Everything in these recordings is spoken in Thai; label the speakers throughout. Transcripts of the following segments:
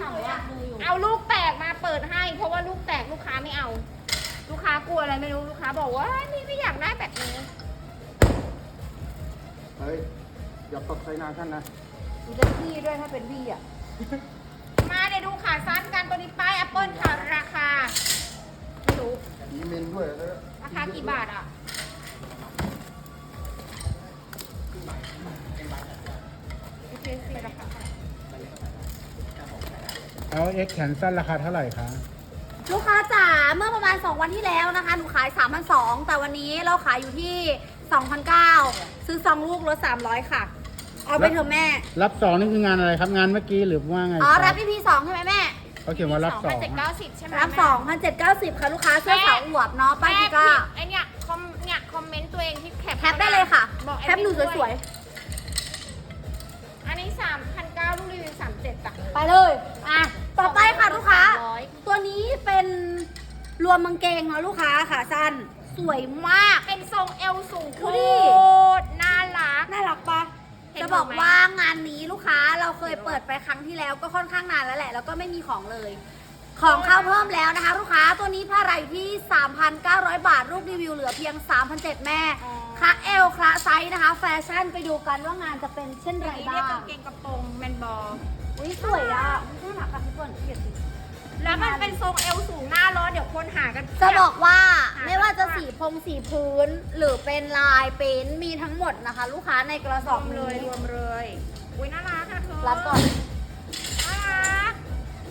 Speaker 1: ถามว่า
Speaker 2: เอาลูกแตกมาเปิดให้ เพราะว่าลูกแตกลูกค้าไม่เอา ลูกค้ากลัวอะไรไม่รู้ลูกค้าบอกว่านี่ไม่อยากได้แบบนี้
Speaker 3: เฮ้ยอย่าตกใส่หน้าท่านนะ
Speaker 1: ดูจะพี่ด้วยถ้าเป็นพี่อ่ะ
Speaker 2: มาเดี๋ยวดูขาสั้นกันตัวนี้ป้ายแอปเปิลค่ะราคาไม่รู้
Speaker 3: มีเมนด้วยแล้ว
Speaker 2: ราคากี่บาทอ่ะโอเคสิราคา
Speaker 4: เอาเอ็กแขนสั้นราคาเท่าไหร่คะ
Speaker 1: ลูกค้าจ๋าเมื่อประมาณ2วันที่แล้วนะคะหนูขาย 3,200 แต่วันนี้เราขายอยู่ที่ 2,900 ซื้อ2ลูกลด300ค่ะ เอาไปเถอะแม่
Speaker 4: รับสองนี่คืองานอะไรครับงานเมื่อกี้หรือว่าไง
Speaker 1: อ๋อ
Speaker 4: ค
Speaker 1: รับ EP 2ใช่ไหมแม่
Speaker 4: เขาเขียนว่ารับสอง
Speaker 2: 2,790ใช่ไหม
Speaker 1: รับ 2,790 ค่ะลูกค้าเสื้อสาวอวบเนาะป้าย
Speaker 2: แม่
Speaker 1: พิก้า
Speaker 2: ไอเนี่ยคอมเมนต์ตัวเองที่แคป
Speaker 1: แคปได้เลยค่ะ
Speaker 2: บอก
Speaker 1: แคปหนูสวย
Speaker 2: ๆอันนี้3,900ลูกรีวิว37จ้ะ
Speaker 1: ๆ ไปเลย อ่ะ ต่อไปค่ะลูกค้า
Speaker 2: 300
Speaker 1: ตัวนี้เป็นรวมกางเกงเนาะลูกค้าค่ะสั้น สวยมาก
Speaker 2: เป็นทรงเอวสูงโค
Speaker 1: ดูดิ
Speaker 2: ตรน่ารัก
Speaker 1: น่ารักปะ
Speaker 2: เห็น
Speaker 1: จะบอก
Speaker 2: ไหม
Speaker 1: ว่างานนี้ลูกค้าเราเคยเปิดไปครั้งที่แล้วก็ค่อนข้างนานแล้วแหละ แล้วก็ไม่มีของเลย ของเข้าเพิ่มแล้วนะคะ ลูกค้าตัวนี้ผ้าไหร่อยู่ที่ 3,900 บาท รูปรีวิวเหลือเพียง 3,700 แม่คละเอลคละไซส์นะคะ แฟชั่นไปดูกันว่างานจะเป็นเช่นไร
Speaker 2: อันนี้เรียก
Speaker 1: บ้าง
Speaker 2: กางเกงกระโปรงแมนบอล
Speaker 1: อุ้ยสวยอ่ะน่ารักอ่ะพี่เปิ้ลเกียรติ
Speaker 2: แล้วมันเป็นทรงเอวสูงหน้าร้อนเดี๋ยวคนหากัน
Speaker 1: จะบอกว่า
Speaker 2: หา
Speaker 1: ไม่ว่าจะสีพงสีพื้น หรือเป็นลายเป็นมีทั้งหมดนะคะ ลูกค้าในกระส
Speaker 2: ร
Speaker 1: อ
Speaker 2: ว
Speaker 1: บ
Speaker 2: มเลย
Speaker 1: นี้
Speaker 2: รวมเลยอุ้ยน่ารักอะเธอ
Speaker 1: รับก่อน
Speaker 2: น่ารัก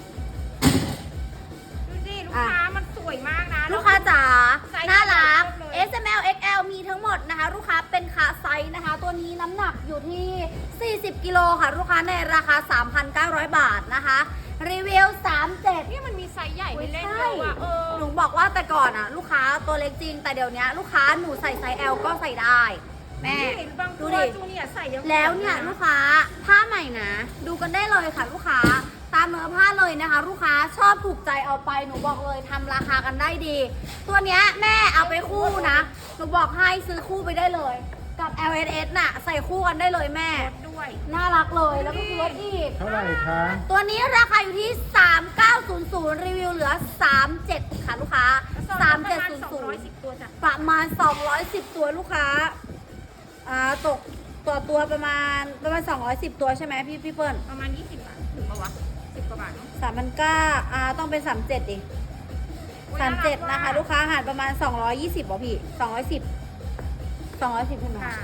Speaker 2: ดูสิลูกค้ามันสวยมากนะ
Speaker 1: ลูกค้าจ๋า
Speaker 2: ไซส์
Speaker 1: น่ารัก
Speaker 2: เลือกเลย
Speaker 1: S M L X L มีทั้งหมดนะคะ ลูกค้าเป็นขาไซส์นะคะ ตัวนี้น้ำหนักอยู่ที่ 40 กิโลค่ะ ลูกค้าในราคา 3,900 บาทนะคะ รีวิว 37
Speaker 2: นี่มันมีไซส์ใหญ่ให้เล่น
Speaker 1: ใช่
Speaker 2: ด้วยว่ะ
Speaker 1: หนูบอกว่าแต่ก่อนอ่ะ ลูกค้าตัวเล็กจริง แต่เดี๋ยวนี้ลูกค้าหนูใส่ไซส์ L ก็ใส่ได้ แม่
Speaker 2: นี่บางตั
Speaker 1: ดู
Speaker 2: ว
Speaker 1: ดิ
Speaker 2: จูเนียร์ใส่ยัง
Speaker 1: แล้วเนี่ยลูกค้าผ้าใหม่นะ ดูกันได้เลยค่ะ ลูกค้าตามเนื้อผ้าเลยนะคะ ลูกค้าชอบถูกใจเอาไปหนูบอกเลยทำราคากันได้ดี ตัวเนี้ยแม่เอาไปคู่นะหนูบอกให้ซื้อคู่ไปได้เลย กับ LSS น่ะใส่คู่กันได้เลยแม่
Speaker 2: ลดด้วย
Speaker 1: น่ารักเลยแล้วก็คือลดอีก
Speaker 4: เท่าไหร่คะ
Speaker 1: ตัวนี้ราคาอยู่ที่ 3900 รีวิวเหลือ 37 ค่ะลูกค้า 3700
Speaker 2: 210ตัวจ้ะ
Speaker 1: ประมาณ 210 ตัวลูกค้าตกต่อตัวประมาณ210 ตัวใช่ไหมพี่เปิ้ล
Speaker 2: ประมาณ20 บาทถึงปะวะ10กว่าบาทเนาะ
Speaker 1: 3,900ต้องเป็น37ดิ
Speaker 2: อุ๊ย
Speaker 1: 37นะคะ ลูกค้าหารประมาณ220บ่พี่210ใช่ไหม
Speaker 2: ค่ะ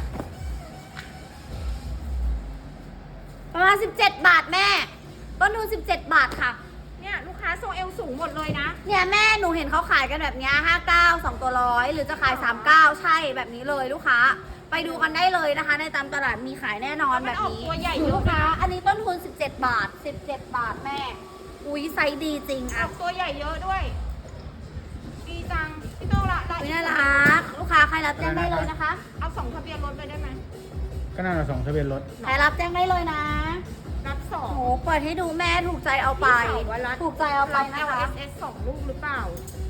Speaker 1: ประมาณ17 บาทแม่ต้นทุน17 บาทค่ะ
Speaker 2: เนี่ยลูกค้าทรงเอวสูงหมดเลยนะ
Speaker 1: เนี่ยแม่หนูเห็นเขาขายกันแบบเนี้ย59 2ตัวร้อยหรือจะขาย 39 ใช่แบบนี้เลยลูกค้า ไปดูกันได้เลยนะคะ ในตามตลาดมีขายแน่นอนแบบนี้
Speaker 2: มันออกตัวใหญ่เยอะ
Speaker 1: ลูกค้า อันนี้ต้นทุน17 บาท 17 บาทแม่ อุ้ยไซส์ดีจริง
Speaker 2: อ
Speaker 1: อ่ะ
Speaker 2: อกตัวใหญ่เยอะด้วย ดีจัง พี่โตละ
Speaker 1: อุ้ยน่ารักลูกค้าใครรับแจ้งได้เลยนะคะ
Speaker 2: เอา2ทะเบียนรถไปได้ไหม
Speaker 4: ก็น่าจะสองทะเบียนรถ
Speaker 1: ใครรับแจ้งได้เลยนะ
Speaker 2: รับสอ
Speaker 1: โอ้
Speaker 2: ง
Speaker 1: โหเปิดให้ดูแม่ถูกใจเอาไป
Speaker 2: พี่สาวว่ารัด
Speaker 1: ถูกใจเอาไป
Speaker 2: รับ
Speaker 1: นะคะ
Speaker 2: LSS 2 ลูกหรือเปล่า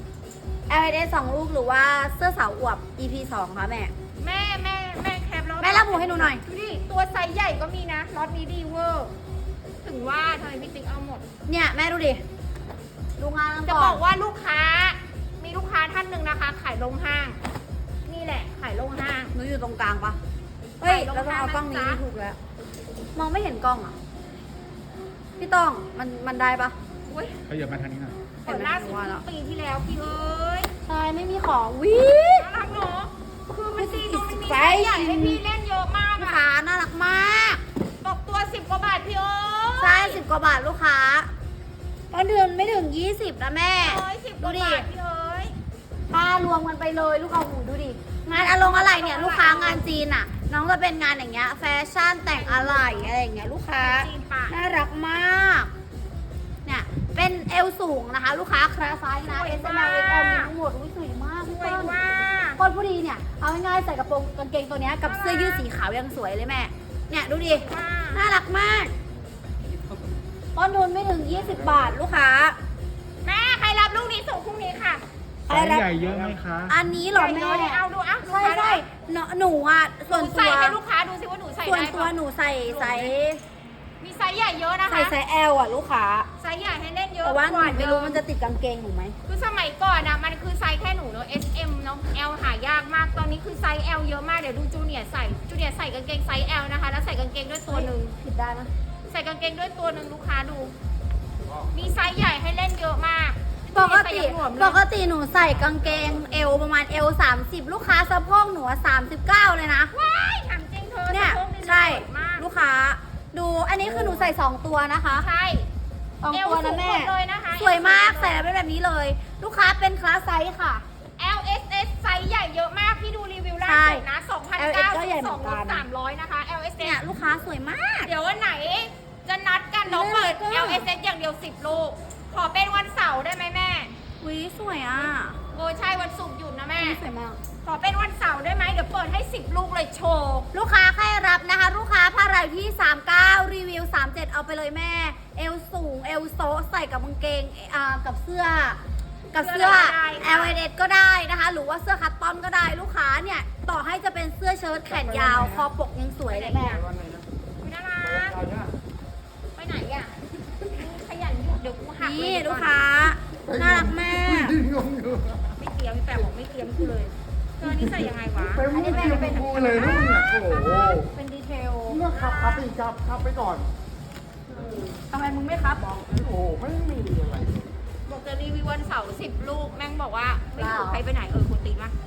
Speaker 1: LS 2 ลูกหรือว่าเสื้อสาวอวบ EP 2ค่ะแม่
Speaker 2: แม่แคปแล้ว
Speaker 1: แม่ระบุให้หนูหน่อย
Speaker 2: ดูดิ ตัวไซส์ใหญ่ก็มีนะล็อตนี้ดีเวอร์ ถึงว่าทำไมพี่ติ๊กเอาหมด
Speaker 1: เนี่ยแม่ดูดิ ดูงานกัน
Speaker 2: จะ
Speaker 1: ก่
Speaker 2: บ
Speaker 1: อ
Speaker 2: อน กว่าลูกค้า มีลูกค้าท่านหนึ่งนะคะ ขายลงห้าง นี่แหละ ขายลงห้าง
Speaker 1: หนูอยู่ตรงกลางปะเฮ้ย
Speaker 2: ถ่ายลง
Speaker 1: แล้วต้องเอากล้องนี้
Speaker 2: นะจ๊ะ
Speaker 1: ถูกแล้ว มองไม่เห็นกล้องอ่ะ พี่ต้องมันได้ปะ
Speaker 2: อุ้ย
Speaker 4: เขาเหยียบมาทางนี้หน่อย
Speaker 2: เปิดล่าสุดปีที่แล้วพี่เอ้ย
Speaker 1: ใช่ไม่มีของวิ
Speaker 2: น่ารักเนาะคือมันดีตรงมันมีไซส์ใหญ่ให้พี่เล่นเยอะมาก
Speaker 1: ลูก
Speaker 2: อะ
Speaker 1: ค้าน่ารักมาก
Speaker 2: ตกตัว10 กว่าบาทพี่เอ้ย
Speaker 1: ใช่10 กว่าบาทลูกค้าต้นเดือนไม่ถึง 20นะแม่
Speaker 2: เอ้ย10 กว่าบาทพี่เอ้ย
Speaker 1: ป้ารวมกันไปเลยลูกค้าหูดูดิ งานอะไรเนี่ยลูกค้างานจีนอ่ะ น้องจะเป็นงานอย่างเงี้ยแฟชั่นแต่งอะไรอย่างเงี้ยลูกค้า
Speaker 2: จีนปะ
Speaker 1: น่ารักมาก เนี่ย เป็นเอวสูงนะคะ ลูกค้าคลาสไซส์นะ S M L X L มีทั้งหมดอุ้ยสวยมาก
Speaker 2: ส
Speaker 1: พี่
Speaker 2: วย
Speaker 1: เปิ้ล
Speaker 2: ว่า
Speaker 1: คนผู้ดีเนี่ย เอาง่ายๆใส่กระโปรงกางเกงตัวเนี้ยกับเสื้อยืดสีขาวยังสวยเลยแม่ เนี่ยดูดิ น่ารักมาก ต้นทุนไม่ถึง 20 บาทลูกค้า
Speaker 2: แม่ใครรับลูกนี้ส่งพรุ่งนี้ค่ะ
Speaker 4: ไซส์ใหญ่เยอะไหมคะ
Speaker 1: อันนี้เหรอ
Speaker 2: ใหญ่
Speaker 1: แม่
Speaker 2: น้อยเอาดูอ่ะ
Speaker 1: ใช่ใช่หนูอ่ะ
Speaker 2: ห
Speaker 1: ส่วน
Speaker 2: นู
Speaker 1: ตั
Speaker 2: ใส่
Speaker 1: ว
Speaker 2: ให้ลูกค้าดูสิว่าหนูใส่
Speaker 1: ส่วน
Speaker 2: ได้
Speaker 1: ตัว
Speaker 2: ปะ
Speaker 1: หนูใส่
Speaker 2: มีไซส์ใหญ่เยอะนะคะ
Speaker 1: ไซส์ L อ่ะลูกค้า
Speaker 2: ไซส์ใหญ่ให้เล่นเยอะ
Speaker 1: แต่ว่าหนูไม่รู้
Speaker 2: เดิ
Speaker 1: มันจะติดกางเกงหนูไหม
Speaker 2: คือสมัยก่อนอะมันคือไซส์แค่หนูเนอะ S M เนอะ L หายากมากตอนนี้คือไซส์ L เยอะมากเดี๋ยวดูจูเนียร์ใส่กางเกงไซส์ L นะคะแล้วใส่กางเกงด้วยตัวหนึ่ง
Speaker 1: ผิดได้นะ
Speaker 2: ใส่กางเกงด้วยตัวหนึ่งลูกค้าดู มีไซส์ใหญ่ให้เล่นเยอะมาก
Speaker 1: ปกติ
Speaker 2: ใส่ยังหลวมเลย
Speaker 1: ปกติหนูใส่กางเกงเอวประมาณเอว30ลูกค้าสะโพกหนูอะ39เลยนะ
Speaker 2: ว้ายถามจริงเธอ
Speaker 1: เนี่ย
Speaker 2: สะโพก
Speaker 1: ใช่
Speaker 2: สวยมาก
Speaker 1: ลูกค้า ดูอันนี้คือหนูใส่2ตัวนะคะ
Speaker 2: ใช่
Speaker 1: สองตัวนะแม่
Speaker 2: เอวสูงหมดเลยนะคะ
Speaker 1: สวยมากใส่แล้วเป็นแบบนี้เลย ลูกค้าเป็นคลาสไซส์ค่ะ
Speaker 2: L S S ไซส์ใหญ่เยอะมากพี่ดูรีวิวล่าสุดนะ
Speaker 1: LS ก็ใหญ่
Speaker 2: 2,900
Speaker 1: เหมือนกัน
Speaker 2: 300นะคะ L S
Speaker 1: เนี่ย
Speaker 2: S
Speaker 1: ลูกค้าสวยมาก
Speaker 2: เดี๋ยววันไหนจะนัดกันน้องเปิด
Speaker 1: เลิศ
Speaker 2: L S S อย่างเดียว10 ลูก ขอเป็นวันเสาร์ได้ไหมแม่
Speaker 1: วิสวยอ่ะ
Speaker 2: โอ้ใช่วันศุกร์หยุดนะแม่
Speaker 1: สวยมาก
Speaker 2: ขอเป็นวันเสาร์ได้ไหมเดี๋ยวเปิดให้10 ลูกเลยโชว์
Speaker 1: ลูกค้าใครรับนะคะ ลูกค้าผ้าไรที่ 39 รีวิว 37 เอาไปเลยแม่ เอวสูง เอวโซะใส่กับกางเกงกับเสื้อ L S ก็ได้นะคะ หรือว่าเสื้อคัตตอนก็ได้ลูกค้าเนี่ย ต่อให้จะเป็นเสื้อเชิ้ตแขนยาว คอปกยังสวยเลยแม่
Speaker 3: วันไหนนะ
Speaker 2: คุณน่ารัก
Speaker 3: เอาเนี่ย
Speaker 2: ไปไหนอ่ะขยันหยุดเดี๋ยวกูหัก
Speaker 1: นี่
Speaker 2: เลย
Speaker 1: ลูกค้า น่ารักมาก
Speaker 3: ยืนงงอยู่
Speaker 2: ไม่เตรียมพี่แปะบอกไม่เตรียมกูเลยเธอนี่ใส่ยังไงวะ
Speaker 3: ไปมุ้งเตรียมกูเลยนะมึงอ่ะโอ้โห
Speaker 1: เป็นดีเทล
Speaker 3: มึงก็ขับไปอีกขับไปก่อน
Speaker 1: ทำไมมึงไม่ครับบอก
Speaker 3: โอ้โหไม่มีอะไร
Speaker 2: บอกจะรีวิววันเสาร์10 ลูกแม่งบอกว่าไม่ถูก
Speaker 1: ว้าว
Speaker 2: ใครไปไหนคนตีนปะ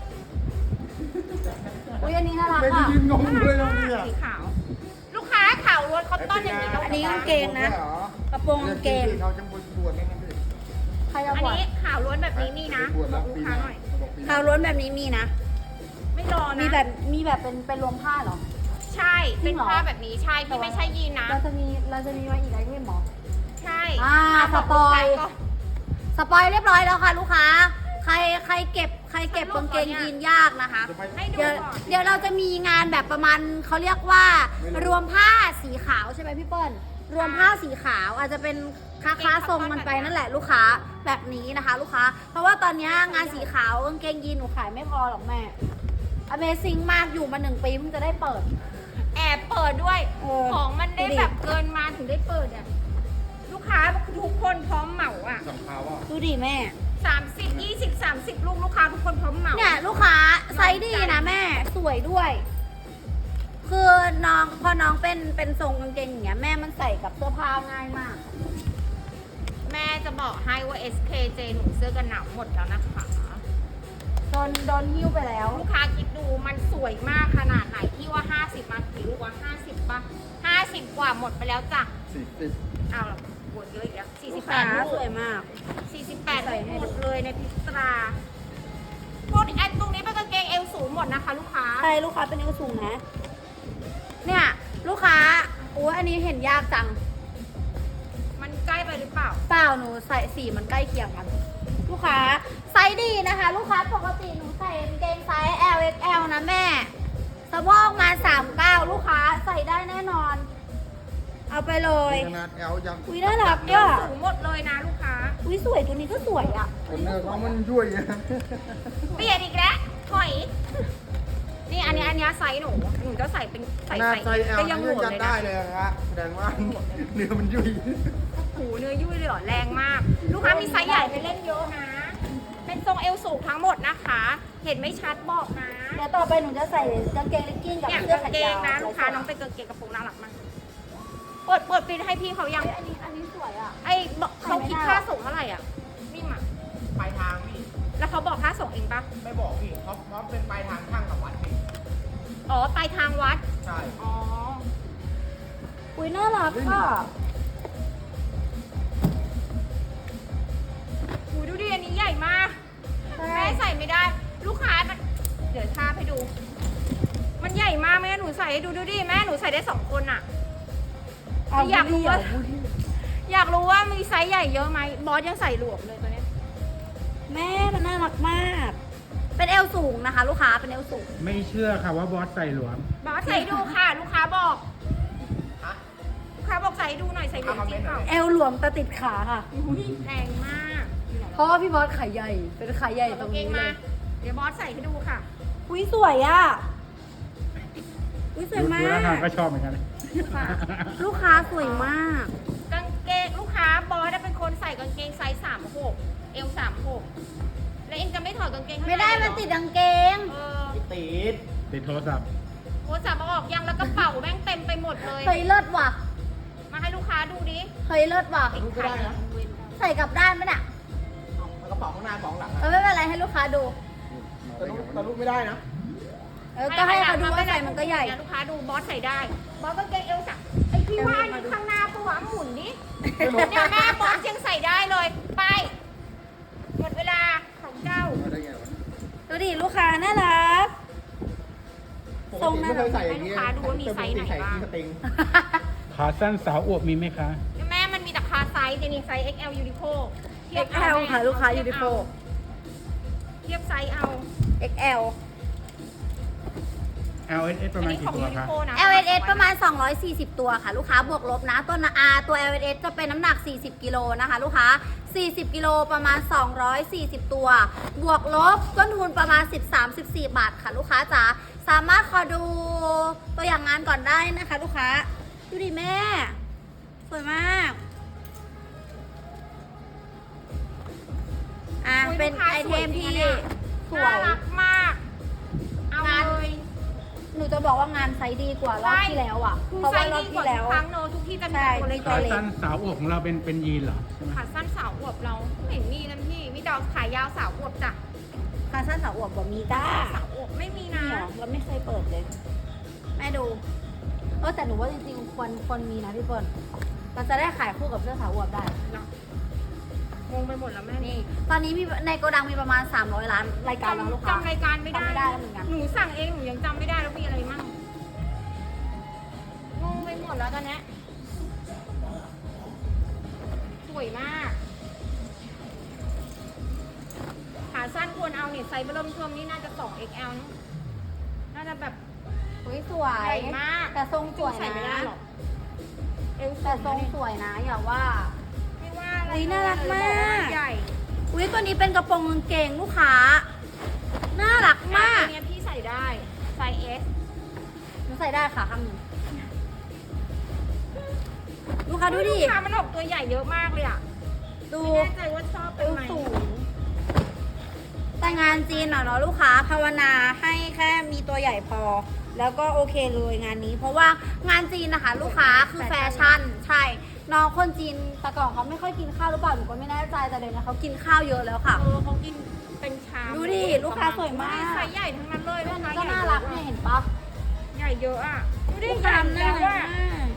Speaker 1: อุ้ยอันนี้น่ารัก
Speaker 3: ไม่ได้
Speaker 1: อ่ะ
Speaker 3: ยืนงงเลยนะมึงอ่ะ
Speaker 2: สีขาว ลูกค้าขาวล้วนคอตตอนอย่างนี้ต้อง
Speaker 1: อันนี้กางเกงนะ
Speaker 3: เหรอก
Speaker 1: ระโปรงกางเกง
Speaker 3: เขาจะบวชแล้วนะพี่
Speaker 1: ใครจะ
Speaker 2: อัน
Speaker 1: บวช
Speaker 2: นี้ขาวล้วนแบบนี้มีนะ
Speaker 3: บวช
Speaker 2: บ
Speaker 3: แล้
Speaker 2: อ
Speaker 3: ว
Speaker 2: กลู
Speaker 3: ปี
Speaker 2: ก
Speaker 3: ห
Speaker 2: ค้า
Speaker 3: น้า
Speaker 2: หน่อย
Speaker 3: บอกปีห
Speaker 1: ข่า
Speaker 3: น้าว
Speaker 1: ล้วนแบบนี้มีนะ
Speaker 2: ไม่รอนะ
Speaker 1: มีแบบเป็นรวมผ้าเหรอ
Speaker 2: ใช่
Speaker 1: จริ
Speaker 2: เป็น
Speaker 1: งเหรอ
Speaker 2: ผ้าแบบนี้ใช่พี่ไม่ใช่ยีนนะ
Speaker 1: เราจะมีมาอีกไอเทมเหรอ
Speaker 2: ใช่
Speaker 1: สปอย สปอยเรียบร้อยแล้วค่ะลูกค้า ใครเก็บกางเกงยีนยากนะคะ
Speaker 2: ให้ดู
Speaker 1: เดี๋ยว
Speaker 2: ก่อน
Speaker 1: เดี๋ยวเราจะมีงานแบบประมาณเขาเรียกว่ารวมผ้าสีขาวใช่ไหมพี่เปิ้ลรวมผ้าสีขาวอาจจะเป็นค้าทรงมันไปนั่นแหละลูกค้าแบบนี้นะคะ ลูกค้า เพราะว่าตอนนี้งานสีขาวกางเกงยีนหนูขายไม่พอหรอกแม่ Amazing มากอยู่มา1 ปีเพิ่งจะได้เปิด
Speaker 2: แอบเปิดด้วย
Speaker 1: เออ
Speaker 2: ของมันได้
Speaker 1: ดูดิ
Speaker 2: แบบเกินมาถึงได้เปิดอ่ะ ลูกค้าทุกคนพร้อมเหมาอ่ะ
Speaker 3: สองเท้าอ่ะ
Speaker 1: ดูดิแม่
Speaker 2: 30 20 30 ลูกค้าทุกคนพร้อมเหมา
Speaker 1: เนี่ยลูกค้าไซส์ดีนะแม่สวยด้วย คือน้องพอน้องเป็นทรงกางเกงอย่างเงี้ยแม่มันใส่กับเสื้อผ้าง่ายมาก
Speaker 2: แม่จะบอกให้ว่า SKJ หนูเสื้อกันหนาวหมดแล้วนะคะ
Speaker 1: โดนหิ้วไปแล้ว
Speaker 2: ลูกค้าคิดดูมันสวยมากขนาดไหนที่ว่า 50 มากี่ลูกวะ50 ป่ะ 50 กว่าหมดไปแล้วจ้ะ
Speaker 3: 40
Speaker 2: เอาละบวกเยอะอีกแล้ว
Speaker 1: ลูกค้า
Speaker 2: 48 ลู
Speaker 1: ส
Speaker 2: ก
Speaker 1: วยมาก
Speaker 2: 48ลูกหมดเลยในพิตราพวกอันตรงนี้เป็นกางเกงเอวสูงหมดนะคะ ลูกค้า
Speaker 1: ใช่ลูกค้าเป็นเอวสูงนะ เนี่ยลูกค้าโอ้อันนี้เห็นยากจัง
Speaker 2: มันใกล้ไปหรือเปล่า
Speaker 1: เปล่าหนูใส่สีมันใกล้เคียงกัน ลูกค้าไซส์ดีนะคะ ลูกค้าปกติหนูใส่กางเกงไซส์ L XL นะแม่สะโพกมา39ลูกค้าใส่ได้แน่นอน เอาไปเลย
Speaker 3: ขนาด L ยัง
Speaker 1: อุ๊ยน่ารัก
Speaker 2: เอวสูงหมดเลยนะลูกค้า
Speaker 1: อุ้ยสวยตัวนี้ก็สวยอ่ะ
Speaker 3: เนื้อเขามันยุ่ยนะ
Speaker 2: เปลี่ยนอีกแล้วถอย นี่อันนี้ไซส์หนูจะใส่เป็น
Speaker 3: ขนาดไซส์ L
Speaker 2: ก็
Speaker 3: ยั
Speaker 2: ยัง ง
Speaker 3: ยื
Speaker 2: โห
Speaker 3: น
Speaker 2: ด
Speaker 3: ยัน
Speaker 2: เลย
Speaker 3: ได้
Speaker 2: นะ
Speaker 3: เลยนะครับแสดงว่าเนื้อมันยุ่ย
Speaker 2: หูเนื้อยุ่ยเลยเหรอแรงมาก ลูกค้ามีไซส์ใหญ่ไปเล่นเยอะนะ เป็นทรงเอวสูงทั้งหมดนะคะ เห็นไม่ชัดบอกนะ
Speaker 1: เดี๋ยวต่อไปหนูจะใส่กางเกงเลกกิ้งกับ
Speaker 2: เนี่ย
Speaker 1: เสื้อก
Speaker 2: าง
Speaker 1: แขน
Speaker 2: เก
Speaker 1: ยาง ว
Speaker 2: นะลูกค้าน้องเป็นกางเกงกระโปรงน่ารักมากเปิดปิดให้พี่เขายัง
Speaker 1: เฮ้ยอันนี้สวยอ่ะ
Speaker 2: ไอ้บอกเขาคิดค่าส่งเท่าไหร่อ่ะนี่มา
Speaker 5: ปลายทางพี่
Speaker 2: แล้วเขาบอกค่าส่งเองปะ
Speaker 5: ไม่บอกพี่เขาเป็นปลายทางช่างกับวัดพี่
Speaker 2: อ๋อปลายทางวัด
Speaker 5: ใช่
Speaker 2: อ๋อ
Speaker 1: อุ้ยน่ารักอ่ะ
Speaker 2: หูดูดิอันนี้ใหญ่มาก แม่ใส่ไม่ได้ ลูกค้ามันเดี๋ยวทาบให้ดู มันใหญ่มากแม่หนูใส่ให้ดูดิแม่หนูใส่ได้2 คนอ่ะ อยากรู้ว่า อยากรู้ว่ามีไซส์ใหญ่เยอะไหมบอสยังใส่หลวมเลยตัวเนี้ย
Speaker 1: แม่มันน่ารักมาก เป็นเอวสูงนะคะ ลูกค้าเป็นเอวสูง
Speaker 4: ไม่เชื่อค่ะว่าบอสใส่หลวม
Speaker 2: บอสใส่ดูค่ะ ลูกค้าบอก
Speaker 5: ฮะ
Speaker 2: ลูกค้าบอกใส่ดูหน่อยใส่หลวมจริงเปล่า
Speaker 1: เอวหลวมแต่ติดขาค่ะ
Speaker 2: แรงมาก
Speaker 1: เพราะว่าพี่บอสขาใหญ่ เป็นขาใหญ่ต
Speaker 2: ต
Speaker 1: ร
Speaker 2: รง งเก
Speaker 1: นี้
Speaker 2: ง
Speaker 1: เล
Speaker 2: มาย เดี๋ยวบอสใส่ให้ดูค่ะ
Speaker 1: อุ้ยสวยอ่ะ อุ้ยสวยมา
Speaker 4: ดูแล้วทาง
Speaker 1: ก
Speaker 4: ก็ชอบเหมือนกัน
Speaker 1: ลูกค้าสวยมาก
Speaker 2: กางเกงลูกค้าบอสเป็นคนเกงไซส์36 เอว36 แล้วเองจะไม่ถอดกางเกงข้างใน
Speaker 1: ไม่ได้
Speaker 2: เหร
Speaker 1: มั
Speaker 2: อน
Speaker 1: ติดกางเกง
Speaker 2: เออ
Speaker 5: ไม่ติด
Speaker 4: ติดโทรศัพท์
Speaker 2: โอ้จับมาออกยังแล้วกระเป๋าแม่งเต็มไปหมดเลย
Speaker 1: เฮ้ยเลิศว่ะ
Speaker 2: มาให้ลูกค้าดูดิ
Speaker 1: เฮ้ยเลิศว่ะ
Speaker 5: รู้ก็ได้นะ
Speaker 1: ใส่กลับด้านไหมน่ะ
Speaker 5: เอากระเป๋าข้างหน้าของหลัง
Speaker 1: เออไม่เป็นไรให้ลูกค้าดู
Speaker 5: แต่ลูกไม่ได้นะ
Speaker 1: ก็ให้เขาดูว่าใส่มันก็ใหญ่
Speaker 2: ลูกค้าดูบอสใส่ได้ บอสกางเกงเอวสักไอพี่ว่านี่ข้างหน้าปะวะหมุนดิเนี่ยแม่บอสยังใส่ได้เลย ไป หมดเวลาของเจ้า
Speaker 3: มาได้ไงวะ
Speaker 1: ดูดิลูกค้าน่ารัก
Speaker 3: ปกติไม่เคยใส่อย่างนี้
Speaker 2: ให้ลูกค้าดูว่ามีไซส์ไหนบ้าง
Speaker 3: สติง
Speaker 4: ขาสั้นสาวอวบมีไหมคะ
Speaker 2: แม่มันมีแต่คาไซส์จะมีไซส์ XL Uniqlo เทียบ
Speaker 1: XL ค่ะลูกค้า Uniqlo
Speaker 2: เทียบไซส์เอา
Speaker 1: XL
Speaker 4: LSS ประมาณกี่ตัวคะ
Speaker 2: นะ
Speaker 1: LSS ประมาณ 240 ตัวค่ะลูกค้าบวกลบนะตัวตัว LSS จะเป็นน้ำหนัก 40 กิโลนะคะลูกค้า 40 กิโลประมาณ 240 ตัว บวกลบต้นทุนประมาณ 13-14 บาทค่ะลูกค้าจ๋าสามารถขอดูตัวอย่างงานก่อนได้นะคะลูกค้า ดูดิแม่ สวยมากเป็นไอเทมที่สว
Speaker 2: น่าย รักมาก เอาเลย
Speaker 1: หนูจะบอกว่างานไซส์ดีกว่ารอบที่แล้วอ่ะ
Speaker 2: คือ
Speaker 1: เพราะ
Speaker 2: ไซ
Speaker 1: ว่าร
Speaker 2: ส์
Speaker 1: อบ
Speaker 2: ดีก
Speaker 1: ที่
Speaker 2: ว่า
Speaker 1: แล้ว
Speaker 2: ทุกครั้งเนอะทุกที่จะมี
Speaker 1: ใช่
Speaker 2: ตัวเล็ก
Speaker 4: ขาสั้นสาวอวบของเราเป็นยีนเหรอใช่ไหม
Speaker 2: ขาสั้นสาวอวบเราไม่เห็นมีนะพี่ มีแต่ขายาวสาวอวบจ้ะ
Speaker 1: ขาสั้นสาวอวบบ่มีจ้า
Speaker 2: สาวอวบไม่มีนะ
Speaker 1: เนี่ยเราไม่เคยเปิดเลย แม่ดูแต่หนูว่าจริงๆควรมีนะพี่เปิ้ลเราจะได้ขายคู่กับเสื้อสาวอวบได้
Speaker 2: งงไปหมดแล้วแม่
Speaker 1: นี่ ตอนนี้มีในโกดังมีประมาณ 300 ล้านรายการแล้วลูกค้า
Speaker 2: จำรายการไม่ได้
Speaker 1: จำไม่ได้แล้วเหมือนกัน
Speaker 2: หนูสั่งเองหนูยังจำไม่ได้แล้วมีอะไรมั่งงงไปหมดแล้วตอนเนี้ยสวยมากขาสั้นควรเอาเนี่ยไซส์เบอร์เริ่มเทิมนี่น่าจะ 2XL นะน่าจะแบบ
Speaker 1: สวย
Speaker 2: ใหญ่มาก
Speaker 1: แต่ทรงสวย
Speaker 2: ใส่ไม่ได้
Speaker 1: นะ
Speaker 2: หรอกเอว
Speaker 1: แต่ทรงสวยนะอย่าว่า
Speaker 2: ไม่ว่าอะไร
Speaker 1: อุ๊ยน่ารักมาก
Speaker 2: เลยบอกว่ใหญ่
Speaker 1: อุ้ยตัวนี้เป็นกระโปรงกางเกงลูกค้า น่ารักมาก
Speaker 2: ตัวเนี้ยพี่ใส่ได้ไซส์ S
Speaker 1: หนูใส่ได้ค่ะข้างหนึ่งลูกค้าดูดิ
Speaker 2: ลูกค้ามันออกตัวใหญ่เยอะมากเลยอ่ะ
Speaker 1: ดู
Speaker 2: ไม่แน่ใจว่าชอบ
Speaker 1: เอ
Speaker 2: เป็น
Speaker 1: ว
Speaker 2: ไหม
Speaker 1: สูงแต่งานจีนเนาะลูกค้าภาวนาให้แค่มีตัวใหญ่พอ แล้วก็โอเคเลยงานนี้ เพราะว่างานจีนนะคะ ลูกค้าคือแฟชั่น ใช่ น้องคนจีนแต่ก่อนเขาไม่ค่อยกินข้าวหรือเปล่าหนูก็ไม่แน่ใจแต่เดี๋ยวนี้เขากินข้าวเยอะแล้วค่ะ
Speaker 2: เขากินเป็นชาม
Speaker 1: ดูดิลูกค้าสวยมาก
Speaker 2: ไซส์ใหญ่ทั้งนั้นเลย
Speaker 1: เรื่
Speaker 2: ลู
Speaker 1: อง
Speaker 2: ก
Speaker 1: นี้
Speaker 2: ค้า
Speaker 1: ก็น่ารักเนี่ยเห็นปะ
Speaker 2: ใหญ่เยอะอ่ะดูดิ
Speaker 1: ลูก
Speaker 2: ใหญ่
Speaker 1: ค้าน่า
Speaker 2: แล้ว
Speaker 1: รัก
Speaker 2: อ่ะ
Speaker 1: มาก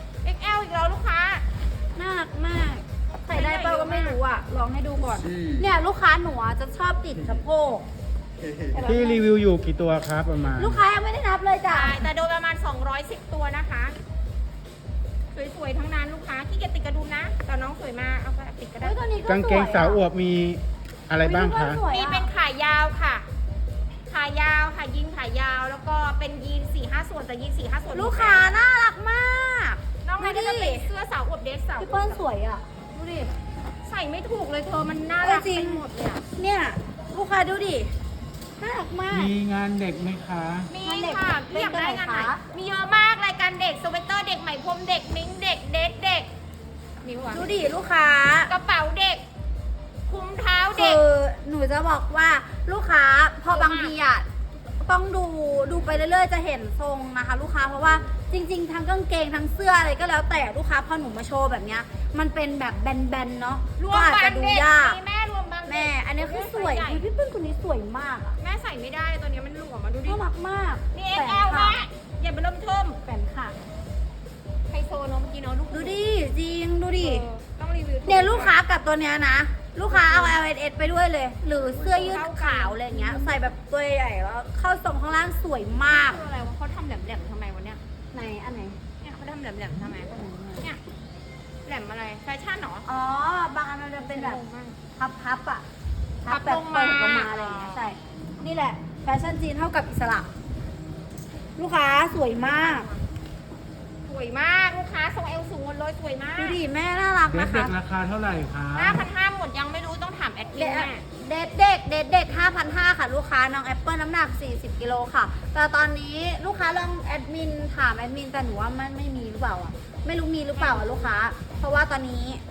Speaker 2: XL อีกแล้วลูกค้า
Speaker 1: น่ารักมาก ใส่ได้เปล่าก็ไม่รู้อ่ะ ลองให้ดูก่อน
Speaker 3: อืม
Speaker 1: เนี่ยลูกค้าหนูอะจะชอบติดสะโพก
Speaker 4: ที่รีวิวอยู่กี่ตัวครับประมาณ
Speaker 1: ลูกค้ายังไม่ได้นับเลยจ้ะ
Speaker 2: ใช่แต่โดยประมาณ 210 ตัวนะคะ สวยๆ ทั้งนั้นลูกค้าขี้เกียจติดกระดุมนะ แต่น้องสวยมากเอาไปติดก็ได้
Speaker 1: เฮ้ยตัวนี้ก็
Speaker 4: กางเกงสาวอวบมีอะไรบ้างคะ
Speaker 2: มีเป็นขายาวค่ะ ขายาวค่ะยีนขายาว แล้วก็เป็นยีน4-5 ส่วนแต่ยีน4-5 ส่วน
Speaker 1: ลูกค้าน่ารักมาก
Speaker 2: น้องไม่ได้จะเป็นเสื้อสาวอวบเดรสสาวอว
Speaker 1: พี่
Speaker 2: บ
Speaker 1: เปิ้ลสวยอ่ะ ดูดิ
Speaker 2: ใส่ไม่ถูกเลยเธอมันน่ารัก
Speaker 1: จริ
Speaker 2: ไป
Speaker 1: ง
Speaker 2: หมดเลยอะ
Speaker 1: เนี่ย ลูกค้าดูดิ น่ารักมาก
Speaker 4: มีงานเด็กไหมคะ
Speaker 2: มี
Speaker 1: งานเด็ก
Speaker 2: ค่ะ
Speaker 1: เป็น
Speaker 2: พี่อยากได้งานไหน
Speaker 1: ตัวไหนคะ
Speaker 2: มีเยอะมากรายการเด็กสเวตเตอร์เด็กไหมพรมเด็กมิ้งเด็กเดทเด็กนิ้วอะ
Speaker 1: ดูดิลูกค้า
Speaker 2: กระเป๋าเด็ก คุ้มเท้า
Speaker 1: คื
Speaker 2: เด็ก
Speaker 1: อหนูจะบอกว่าลูกค้าพอบางทีอ่ะต้องดูไปเรื่อยๆจะเห็นทรงนะคะ ลูกค้าเพราะว่าจริงๆทั้งกางเกงทั้งเสื้ออะไรก็แล้วแต่ลูกค้าพอหนูมาโชว์แบบเนี้ยมันเป็นแบบแบนๆเนาะ
Speaker 2: รว
Speaker 1: ก็
Speaker 2: ม
Speaker 1: อาจ
Speaker 2: บา
Speaker 1: จะ
Speaker 2: ง
Speaker 1: ดู
Speaker 2: เด็ก
Speaker 1: ยาก
Speaker 2: มีแม่รวมบางเด็ก
Speaker 1: แม่ อันนี้คือสวย
Speaker 2: ใหญ่
Speaker 1: อุ๊ยพี่เปิ้ลคนนี้สวยมากอ่ะ
Speaker 2: แม่ใส่ไม่ได้ตัวนี้มันหลวมมาดูดิ
Speaker 1: น่ารักมาก
Speaker 2: นี่
Speaker 1: แข
Speaker 2: XL
Speaker 1: ค่ะ
Speaker 2: แม่อย่าไปเริ่มเทิม
Speaker 1: แขนค่ะ
Speaker 2: ไฮโซเนาะเมื่อกี้เนาะลูก
Speaker 1: ดูดิจริงดูดิ
Speaker 2: ต้องรีวิว
Speaker 1: เนี่ยลูกค้ากับตัวเนี้ยนะ ลูกค้าเอา LSS ไปด้วยเลย หรือเสื้อยืดขาวอะไรเงี้ย ใส่แบบตัวใหญ่แล้วเข้าทรงข้างล่างสวยมาก
Speaker 2: คืออะไรวะเขาทำแหลมๆทำไมวะเนี่ย
Speaker 1: ไหนอันไหน
Speaker 2: เนี่ยเขาทำแหลมๆทำไมเนี่ยแหลมอะไรแฟชั่นเหรอ
Speaker 1: อ๋อ บางอันมันจะเป็นแบบ
Speaker 2: งงมาก
Speaker 1: พับอ่ะ
Speaker 2: พับ
Speaker 1: แบบ
Speaker 2: ลงมา
Speaker 1: เปิดออกมาอะไรอย่างเงี้ยใช่ นี่แหละ แฟชั่นจีนเท่ากับอิสระ ลูกค้าสวยมาก
Speaker 2: สวยมากลูกค้าทรงเอวสูงหมดเลยสวยมาก
Speaker 1: ดูดิแม่น่ารัก
Speaker 4: เด็ก
Speaker 1: นะ
Speaker 4: เด็
Speaker 1: คะ
Speaker 4: กราคาเท่าไหร่คะ
Speaker 2: 5,500หมดยังไม่รู้ต้องถามแอดมินแม่
Speaker 1: เด็ก 5,500 ค่ะ ลูกค้าน้องแอปเปิลน้ำหนัก 40 กิโลค่ะ แต่ตอนนี้ลูกค้าลองแอดมินถามแอดมินแต่หนูว่ามันไม่มีหรือเปล่าอ่ะ ไม่รู้มีหรือเปล่าอ่ะลูกค้า เพราะว่าตอนนี้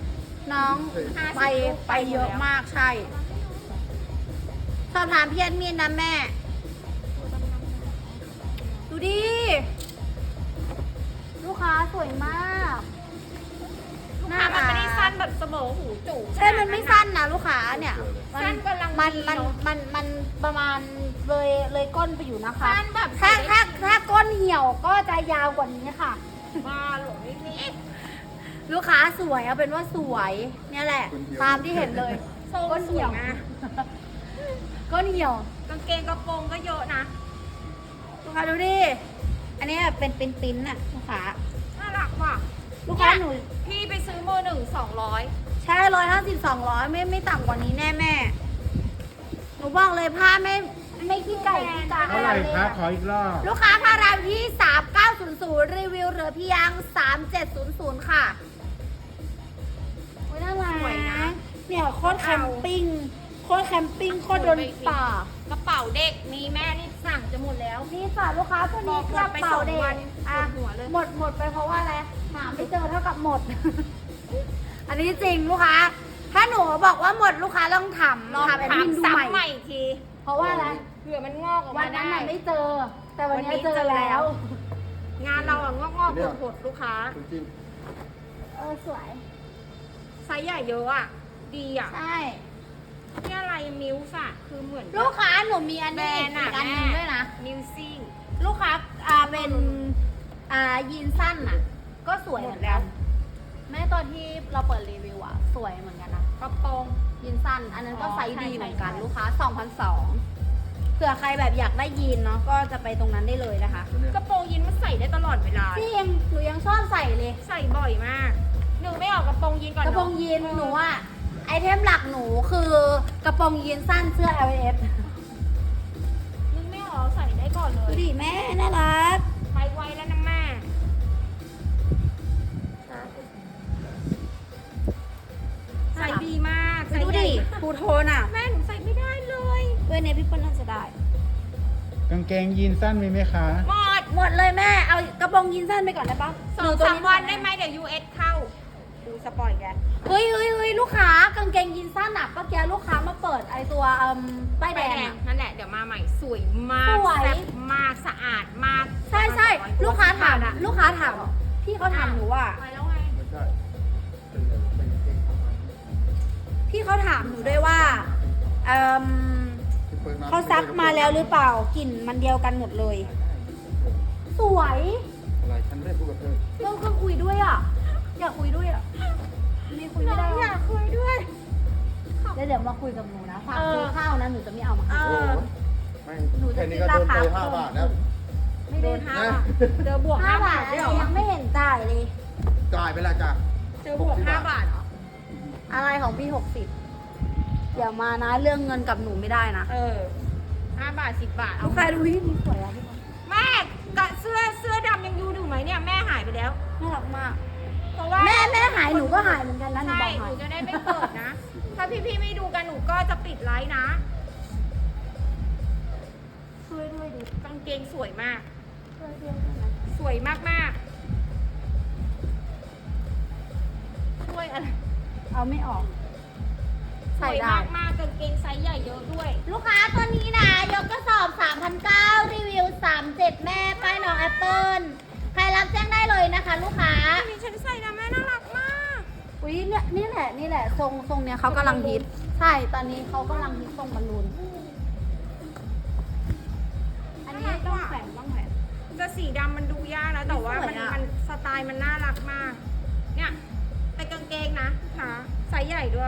Speaker 1: น้องไปเยอะมากใช่ สอบถามพี่แอดมินนะแม่ ดูดิ ลูกค้าสวยมาก
Speaker 2: ลูกค้ามันไม่ได้สั้นแบบเสมอหูจู่
Speaker 1: ใช่ มันไม่สั้นนะลูกค้าเนี่ย
Speaker 2: สั้นกำลัง
Speaker 1: มัน
Speaker 2: ดี
Speaker 1: มัน
Speaker 2: เนอะ
Speaker 1: มันประมาณเลยก้นไปอยู่นะคะ
Speaker 2: สั้นแบบ
Speaker 1: ถ้าก้นเหี่ยวก็จะยาวกว่านี้ค่ะ
Speaker 2: มาหลงนี่
Speaker 1: ลูกค้าสวยเอาเป็นว่าสวยเนี่ยแหละ ตามที่เห็นเลย
Speaker 2: โซ่
Speaker 1: ก้น
Speaker 2: ส
Speaker 1: เหี่
Speaker 2: วย
Speaker 1: ยว
Speaker 2: นะ
Speaker 1: ก้นเหี่ยว
Speaker 2: กางเกงกระโปรงก็เยอะนะ
Speaker 1: ลูกค้าดูดิ อันนี้เป็นปิ้นน่ะลูกค้า
Speaker 2: น่ารักว่ะ
Speaker 1: ลูกค้าหนู
Speaker 2: พี่ไปซื้อมือหนึ่ง200
Speaker 1: ใช่150-200ไม่ต่ำกว่านี้แน่แม่ หนูบอกเลยผ้าไม่ขี้ไก่ขี้กา
Speaker 4: เท่าไหร่คะขออีกรอบ
Speaker 1: ลูกค้าพารามที่ 3900 รีวิวเหลือเพียง 3700 ค่ะโอ้ยน่ารัก
Speaker 2: สวยนะ
Speaker 1: เนี่ยโคตรแคมปิ้งโคตรโดนป่า
Speaker 2: กระเป๋าเด็กมีแม่นี่สั่งจะหมดแล้ว
Speaker 1: นี่ค่ะลูกค้าตัวนี้
Speaker 2: บอก
Speaker 1: กระเป๋าเด็
Speaker 2: ไป2วั
Speaker 1: ก
Speaker 2: น
Speaker 1: อ่ะ
Speaker 2: ปวดหัวเลย
Speaker 1: หมดไปเพราะว่าอะไรหาไม่เจอเท่ากับหมด อันนี้จริงลูกค้า ถ้าหนูบอกว่าหมดลูกค้าต้องถาม
Speaker 2: ลอง
Speaker 1: ถามแอด
Speaker 2: ถา
Speaker 1: มิ
Speaker 2: ม
Speaker 1: นดู
Speaker 2: ซ้ำ
Speaker 1: ใหม่
Speaker 2: ใหม่อีกที
Speaker 1: เพราะว่าอะไร
Speaker 2: เผื่อมันงอกออก
Speaker 1: วั
Speaker 2: มาน
Speaker 1: นั้น
Speaker 2: ได้
Speaker 1: น่ะไม่เจอ แต่วันนี้
Speaker 2: วันนี้
Speaker 1: เจอ
Speaker 2: เจอแล้
Speaker 1: แล้ว
Speaker 2: ว งานเราอะงอกๆผดๆลูกค้า
Speaker 3: จริง
Speaker 1: สวย
Speaker 2: ไซส์ใหญ่เยอะอ่ะ ดีอ่ะ
Speaker 1: ใช่
Speaker 2: นี่อะไรมิวส์อะคือเหมือน
Speaker 1: ลูกค้าหนูมีอัน
Speaker 2: แบร
Speaker 1: นี้
Speaker 2: นด์อะ
Speaker 1: อีกอันหนึงด้วยนะ
Speaker 2: มิวซิ่ง
Speaker 1: ลูกค้าเป็นยีนสั้นอ่ะ ก็สวยเหมือนกันแม่ตอนที่เราเปิดรีวิวอ่ะ สวยเหมือนกันนะ
Speaker 2: กระโปรง
Speaker 1: ยีนสั้น อันนั้นก็
Speaker 2: อ๋อ
Speaker 1: ไซส์ดี
Speaker 2: ใช่
Speaker 1: เหมือนกัน
Speaker 2: ใช่
Speaker 1: ลูกค้า 2,200เผื่อใครแบบอยากได้ยีนเนาะก็จะไปตรงนั้นได้เลยนะคะ
Speaker 2: กระโปรงยีนมันใส่ได้ตลอดเวลา
Speaker 1: จริงหนูยังชอบใส่เลย
Speaker 2: ใส่บ่อยมาก หนูไม่ออกกระโปรงยีนก่อน
Speaker 1: กระโปรงยีนหนูอ่ะไอเทมหลักหนูคือกระโปรงยีนสั้นเสื้อ LF
Speaker 2: นึกไม่ออกใส่ได้ก่อนเล
Speaker 1: ดู
Speaker 2: ย
Speaker 1: ดิแม่น่ารัก
Speaker 2: ไปไวแล้วนะแม่ใส่ดีมากใส่
Speaker 1: ดู
Speaker 2: ใหญ่
Speaker 1: ดิ
Speaker 2: มาก
Speaker 1: ทูโทนอ่ะ
Speaker 2: แม่หนูใส่ไม่ได้เลย
Speaker 1: ด้วยเนี่ยพี่เปิ้ลน่าจะได้
Speaker 4: กางเกงยีนสั้นมีไหมคะ
Speaker 2: หมด
Speaker 1: หมดเลยแม่ เอากระโปรงยีนสั้นไปก่อนได้ปะ
Speaker 2: 2-3 วันได้ไหมเดี๋ยว US เข้า ดูสปอยแก
Speaker 1: เฮ้ยลูกค้ากางเกงยีนสั้นอ่ะเมื่อกี้ลูกค้ามาเปิดไอตัวป้ายแด
Speaker 2: แด
Speaker 1: ง
Speaker 2: ง
Speaker 1: อะ
Speaker 2: นั่นแหละเดี๋ยวมาใหม่สวยมาก
Speaker 1: สวย
Speaker 2: แซ่บมากสะอาดมาก
Speaker 1: ใช่ลูกค้าถาม
Speaker 2: อะ
Speaker 1: ลูกค้าถามพี่เขาถามหนูว่า
Speaker 2: ไปแล้วไง
Speaker 3: ๆไม่ใช่เป็นเก่งทำงาน
Speaker 1: พี่เขาถามหนูด้วยว่าเอิ่ม
Speaker 3: ที่ปิด
Speaker 1: เขาซักมาแล้วหรือเปล่ากลิ่นมันเดียวกันหมดเลย สวย
Speaker 3: อะไรฉันไม่ได้พูดกับเธอ
Speaker 1: เราก็คุยด้วยอ่ะ อยากคุยด้วยอ่ะไม่คุยไม่ได้
Speaker 2: อยากคุยด้วย
Speaker 1: เดี๋ยวมาคุยกับหนูนะฝากซื้อข้าวนะหนูจะไม่เอามา
Speaker 2: เอ
Speaker 1: ให้
Speaker 3: โอ้
Speaker 2: อ
Speaker 3: โหแม่งแค่นี้ก็โดนไป5 บาทแล้ว
Speaker 1: ไม่
Speaker 2: โด
Speaker 1: ได้
Speaker 2: น5 บาทเจอบวก
Speaker 1: 5
Speaker 2: 5
Speaker 1: บา
Speaker 2: บา
Speaker 1: ท
Speaker 2: ท
Speaker 1: อะไร
Speaker 2: ด้วยเหรอ
Speaker 1: ยังไม่เห็นจ่ายเลย
Speaker 3: จ่ายไปแล้วจ้ะ
Speaker 2: เจอบวก5 บาทเหรอ
Speaker 1: อะไรของพี่60อย่ามานะเรื่องเงินกับหนูไม่ได้นะ
Speaker 2: เออ5 บาท 10 บาท
Speaker 1: ลู
Speaker 2: เอา
Speaker 1: กค้าดูที่นี่สวยอ่ะพี่บอล
Speaker 2: แม่กับเสื้อดำยังอยู่ไหมเนี่ยแม่หายไปแล้ว
Speaker 1: น่ารักมาก
Speaker 2: เพราะว่า
Speaker 1: แม่หายหนูก็หายเหมือนกันนะหนู
Speaker 2: ใช่
Speaker 1: บอก
Speaker 2: ห
Speaker 1: หา
Speaker 2: นู
Speaker 1: ย
Speaker 2: จะได้ไม่เปิดนะ ถ้าพี่ๆไม่ดูกันหนูก็จะปิดไลฟ์นะ
Speaker 1: ช่วยด้วยดิ
Speaker 2: กางเกงสวยมาก
Speaker 1: ช่วยด้วยได้ไหม
Speaker 2: สวยมากๆช่วยอะไร
Speaker 1: เอาไม่ออก
Speaker 2: ส
Speaker 1: ใส่
Speaker 2: วย
Speaker 1: ได้
Speaker 2: มากๆกางเกงไซส์ใหญ่เยอะด้วย
Speaker 1: ลูกค้าตัวนี้นะยกกระสอบ 3,900 รีวิว 37 แม่ป้ายน้องแอปเปิลใครรับแจ้งได้เลยนะคะ ลูกค้า
Speaker 2: อันนี้ฉันใส่นะแม่น่ารักมาก
Speaker 1: อุ้ยเนี่ยนี่แหละทรงเนี้ยเขากำลังฮิต ใช่ ตอนนี้เขากำลังฮิตทรงบอลลูน อันนี้ต้องแขวนต้องแขวน
Speaker 2: จะสีดำมันดูยากนะ แต่ว่า
Speaker 1: สวยอะ
Speaker 2: มันสไตล์มันน่ารักมาก เนี่ยแต่กางเกงนะค่ะไซส์ใหญ่ด้วย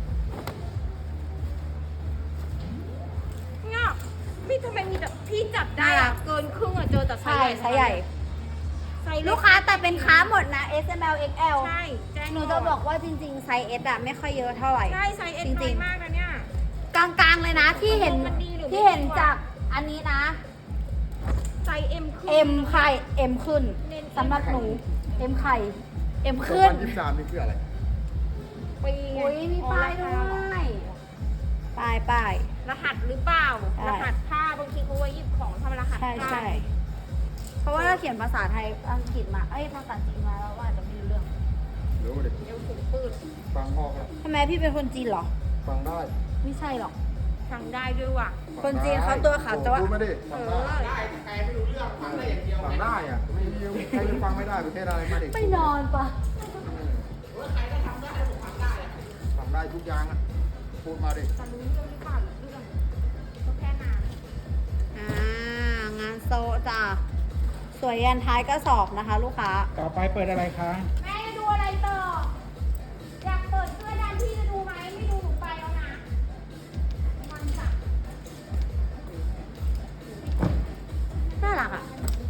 Speaker 2: เนี่ยพี่ทำไมมีแต่พี่จับได้อะเกินครึ่งอะเจอแต่ไซ
Speaker 1: ใช่
Speaker 2: ส์ใหญ่
Speaker 1: ไซส์ใหญ่
Speaker 2: ไซส์เ
Speaker 1: ลูกค้าแต่เป็นค้าหมดนะ S M L X L
Speaker 2: ใช่แจ้ง
Speaker 1: หนูจะบอกว่าจริงๆ ไซส์ S อะไม่ค่อยเยอะเท่าไหร่
Speaker 2: ใช่ไซส์เอ็น
Speaker 1: จริ
Speaker 2: น้อง ย
Speaker 1: ๆ
Speaker 2: มากนะเนี่ย
Speaker 1: กลางๆเลยนะที่เห็น
Speaker 2: มันดีหรือไม่
Speaker 1: ที่เห็น
Speaker 2: ดีวะ
Speaker 1: จากอันนี้นะ
Speaker 2: ไซส์เอ็มขึ้น
Speaker 1: M ไข่ M ขึ้น
Speaker 2: เน้น
Speaker 1: สำหรับหนู M ไข่ M
Speaker 3: ขึ้
Speaker 1: ขึ้
Speaker 3: น
Speaker 1: น
Speaker 3: 23นี่คืออะไร
Speaker 2: ปีไง
Speaker 1: อุ้ยมีป้ายด้วยป้าย
Speaker 2: รหัสหรือเปล่า
Speaker 1: ใช่
Speaker 2: รหัสผ้าบางทีเขาไว้หยิบของทำรหัส
Speaker 1: ใช่
Speaker 2: ผ้า
Speaker 1: ใช่เพราะว่าถ้าเขียนภาษาไทยอังกฤษมาภาษาจีนมาแล้วว่าอาจจะไม่รู้เรื่อง
Speaker 3: รู้ดิ
Speaker 2: เอวสูงปืด
Speaker 3: ฟังออกแล้ว
Speaker 1: ทำไมพี่เป็นคนจีนเหรอ
Speaker 3: ฟังได้
Speaker 1: ไม่ใช่หรอก
Speaker 2: ฟังได้ด้วยว่ะ
Speaker 1: คนจีนเขาตัวขาวแต่ว่า
Speaker 3: พูดไม่ได้ฟังได้
Speaker 5: ได้แต่ไม่รู้เรื่องฟังได้อย่างเดียว
Speaker 3: ฟังได้อ่ะไม่มีใครจะฟังไม่ได้ประเทศอะไรมาเด็ก
Speaker 1: ไม่นอนปะ
Speaker 5: ใครก็ทำได้ผมทำได้อะ
Speaker 3: ฟังได้ทุกอย่างอ่ะพูดมาดิ
Speaker 2: จะรู้เรื่องหรือเปล่าเรื่องก็แค่นั้น
Speaker 1: งานโซจ้ะสวยยันท้ายกระสอบนะคะ ลูกค้า
Speaker 4: ต่อไปเปิดอะไรคะ
Speaker 2: แม่จะดูอะไรต่อ อยากเปิดเสื้อดำพี่จะดูไหมไม่ดูหนูไปแล้วนะมันจับ
Speaker 1: น่ารักอะ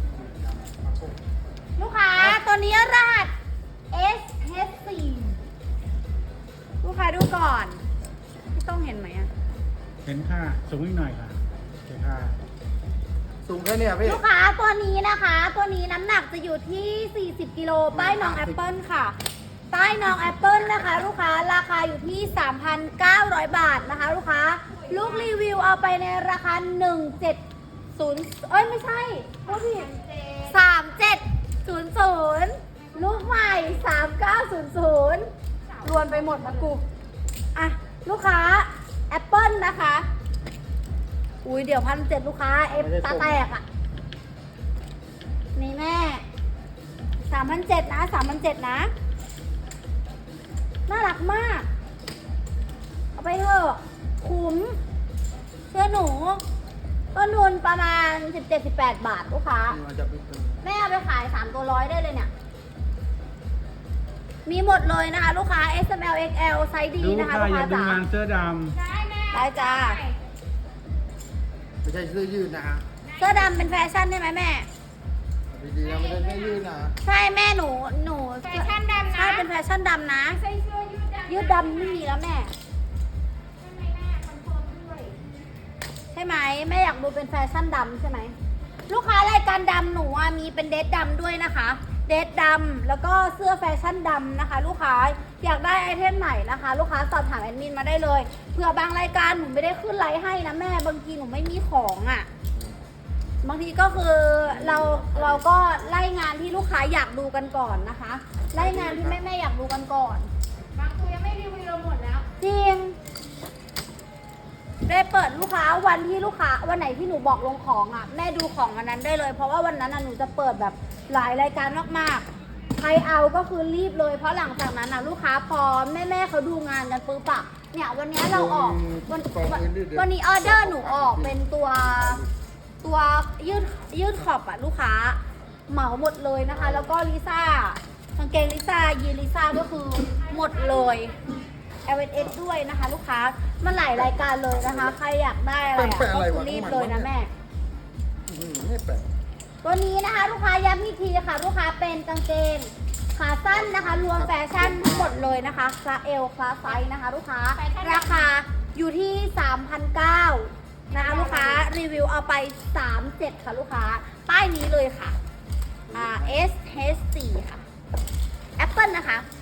Speaker 1: ลูกค้าตัวนี้รหัส S4 ลูกค้าดูก่อนพี่ต้องเห็นไหมอะ
Speaker 4: เห็นค่ะ สูงอีกหน่อยค่ะโอเคค่ะ
Speaker 3: สูงแค่เนี้ยพี่
Speaker 1: ลูกค้าตัวนี้นะคะ ตัวนี้น้ำหนักจะอยู่ที่ 40 กิโลป้ายน้องแอปเปิลค่ะป้ายน้องแอปเปิลนะคะ ลูกค้าราคาอยู่ที่ 3,900 บาทนะคะ ลูกค้าลูกรีวิวเอาไปในราคา 170เอ้ยไม่ใช่พูดผิด3700 ลูกใหม่ 3900 รวนไปหมดนะกูอ่ะลูกค้าแอปเปิลนะคะ อุ้ยเดี๋ยว1,700ลูกค้าเอฟตาแตกอ่ะ นี่แม่3,700นะ3,700นะ น่ารักมาก เอาไปเถอะคุ้มเชื่อหนูต้นทุนประมาณ 17-18 บาทลูกค้า
Speaker 3: มันจะเป็น
Speaker 1: แม่เอาไปขาย3ตัวร้อยได้เลยเนี่ย มีหมดเลยนะคะ ลูกค้า S M L X L ไซส์ดี
Speaker 4: ดู
Speaker 1: นะคะ
Speaker 4: ค่ะ
Speaker 1: ลูก
Speaker 4: อ
Speaker 1: ค้า
Speaker 4: ย่าดู
Speaker 1: จ๋า
Speaker 4: งานเสื้อด
Speaker 2: ได้แม่
Speaker 1: ได้จ้า
Speaker 3: ไม่ใช่เสื้อยืดนะฮะ
Speaker 1: เสื้อดำเป็นแฟชั่นได้ไหมแม่
Speaker 3: ดีๆนะไม่ใช่เสื้อยืดนะ
Speaker 1: ใช่แม่หนู
Speaker 2: แฟชั่นดำนะ
Speaker 1: ใช่เป็นแฟชั่นดำนะ
Speaker 2: ใส่เสื้อยืดดำ
Speaker 1: ยืดดำไม่มีแล้วแม่
Speaker 2: ใช่ไหมแม่คอนเฟิร์มด้วย
Speaker 1: ใช่ไหมแม่อยากดูเป็นแฟชั่นดำใช่ไหมลูกค้ารายการดำหนูอะมีเป็นเดทดำด้วยนะคะ เดทดำแล้วก็เสื้อแฟชั่นดำนะคะ ลูกค้าอยากได้ไอเทมไหนนะคะ ลูกค้าสอบถามแอดมินมาได้เลยเผื่อบางรายการหนูไม่ได้ขึ้นไลฟ์ให้นะแม่บางทีหนูไม่มีของอ่ะ บางทีก็คือเราก็ไล่งานที่ลูกค้าอยากดูกันก่อนนะคะ ไล่งานที่แม่อยากดูกันก่อน
Speaker 2: บางตัวยังไม่รีวิวเราหมดแล้ว
Speaker 1: จริง ได้เปิดลูกค้าวันที่ลูกค้าวันไหนที่หนูบอกลงของอ่ะแม่ดูของวันนั้นได้เลย เพราะว่าวันนั้นน่ะหนูจะเปิดแบบหลายรายการมากๆใครเอาก็คือรีบเลยเพราะหลังจากนั้นน่ะลูกค้าพอแม่เขาดูงานกันปุ๊บอะเนี่ยวันนี้เราออกวันนี้ออเดอร์หนูออกเป็นตัวยืดขอบอะลูกค้าเหมาหมดเลยนะคะ แล้วก็ลิซ่ากางเกงลิซ่ายีนลิซ่าก็คือหมดเลย LS ด้วยนะคะ ลูกค้ามันหลายรายการเลยนะคะ ใครอยากได้อะไรอะก็คือรีบเลยนะแม่
Speaker 3: ไม่แปลก
Speaker 1: ตัวนี้นะคะ ลูกค้าย้ำอีกทีค่ะ ลูกค้าเป็นกางเกงขาสั้นนะคะ รวมแฟชั่นทั้งหมดเลยนะคะคลาส L คลาสไซส์นะคะ ลูกค้าราคาอยู่ที่ 3,900นะคะลูกค้ารีวิวเอาไป 37ค่ะลูกค้าป้ายนี้เลยค่ะS4 ค่ะ Apple นะคะ